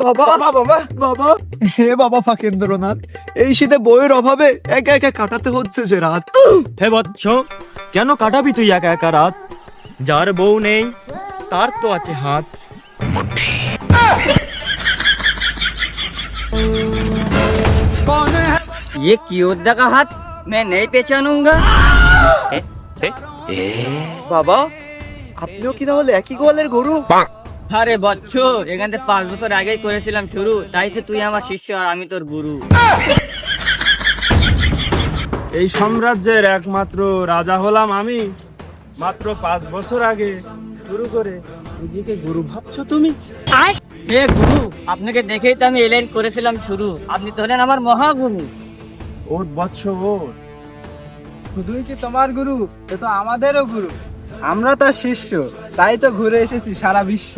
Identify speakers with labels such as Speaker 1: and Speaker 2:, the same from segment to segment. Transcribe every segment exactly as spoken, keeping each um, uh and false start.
Speaker 1: বাবা বাবা বাবা, হে বাবা ফাঁকেন্দ্রনাথ, এই শীতে বইয়ের অভাবে একা একা কাটাতে হচ্ছে যে রাত।
Speaker 2: হে বৎস, কেন কাটাবি তুই একা একা রাত? যার বউ নেই তার তো আছে হাত।
Speaker 3: ये क्यों का हाथ मैं नहीं पहचानूंगा।
Speaker 1: বাবা, আপনিও কি তাহলে একই গোয়ালের গরু?
Speaker 3: আরে বচ্চ, এখান থেকে পাঁচ বছর আগেই করেছিলাম শুরু, তাই তো তুই আমার শিষ্য আর আমি তোর গুরু।
Speaker 2: এই সাম্রাজ্যের একমাত্র রাজা হলাম আমি, মাত্র পাঁচ বছর আগে শুরু করে নিজেকে গুরু ভাবছো তুমি?
Speaker 3: হে গুরু, আপনাকে দেখেই তো আমি এলাইন করেছিলাম শুরু, আপনি তো হলেন আমার মহাগুরু।
Speaker 2: ওর বৎস ওর।
Speaker 4: শুধুই কি তোমার গুরু, সে তো আমাদেরও গুরু। আমরা তার শিষ্য, তাই তো ঘুরে এসেছি সারা বিশ্ব।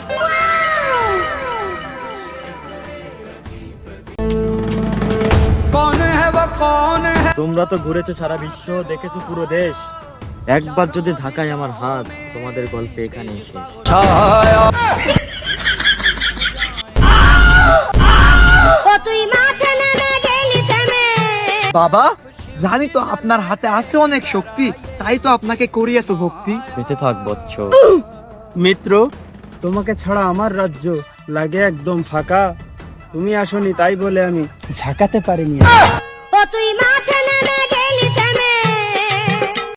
Speaker 2: তোমরা তো ঘুরেছো সারা বিশ্ব, দেখেছো পুরো দেশ। একবার যদি ঝাঁকায় আমার হাত, তোমাদের গল্পে এখানে এসে
Speaker 1: বাবা, জানি তো আপনার হাতে আছে অনেক শক্তি, তাই তো আপনাকে করি এত ভক্তি।
Speaker 2: বেঁচে থাক বৎস। মিত্র, তোমাকে ছাড়া আমার রাজ্য লাগে একদম ফাঁকা। তুমি আসনি তাই বলে আমি ঝাঁকাতে পারিনি।
Speaker 5: তুই মাঠে নেমে